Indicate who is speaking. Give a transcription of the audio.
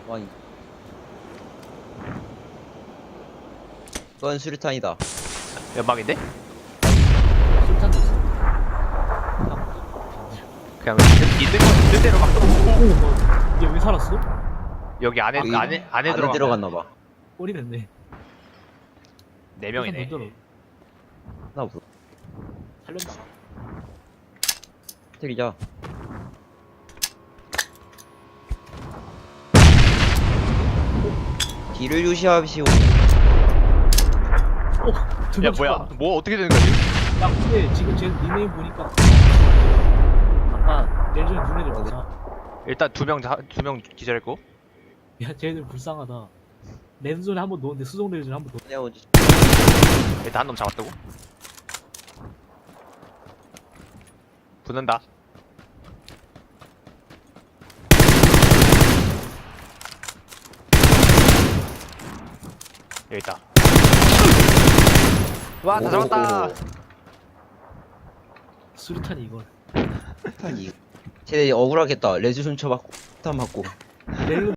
Speaker 1: 아니. 그건 수류탄이다.
Speaker 2: 연막인데?
Speaker 3: 술탄도 있어.
Speaker 2: 그냥 있는 대로 막
Speaker 3: 오, 얘 왜 살았어?
Speaker 2: 여기 안에
Speaker 1: 여기
Speaker 2: 안에
Speaker 1: 들어갔나봐.
Speaker 3: 꼬리 냈네.
Speaker 2: 네 명이네.
Speaker 3: 술탄 던져라.
Speaker 1: 나 없어.
Speaker 3: 살려주자.
Speaker 1: 때리자. 뒤를 유시하시오.
Speaker 3: 두
Speaker 2: 야
Speaker 3: 명
Speaker 2: 뭐야?
Speaker 3: 잡아.
Speaker 2: 뭐 어떻게 되는 거지?
Speaker 3: 야 근데 지금 쟤 닉네임 보니까 아까 내일 전에 눈 애들 많아.
Speaker 2: 일단 두 명 기절했고.
Speaker 3: 야 쟤들 불쌍하다. 랜존에 한번 놓는데 수송 랜존에 한번 놓.
Speaker 1: 내가 먼저
Speaker 2: 일단 한 놈 잡았다고. 붙는다. 여기 있다. 와, 다 잡았다.
Speaker 3: 수류탄이 이걸.
Speaker 1: 수류탄이. 쟤 억울하겠다. 레즈 순쳐 맞고, 폭탄 맞고.
Speaker 3: 렐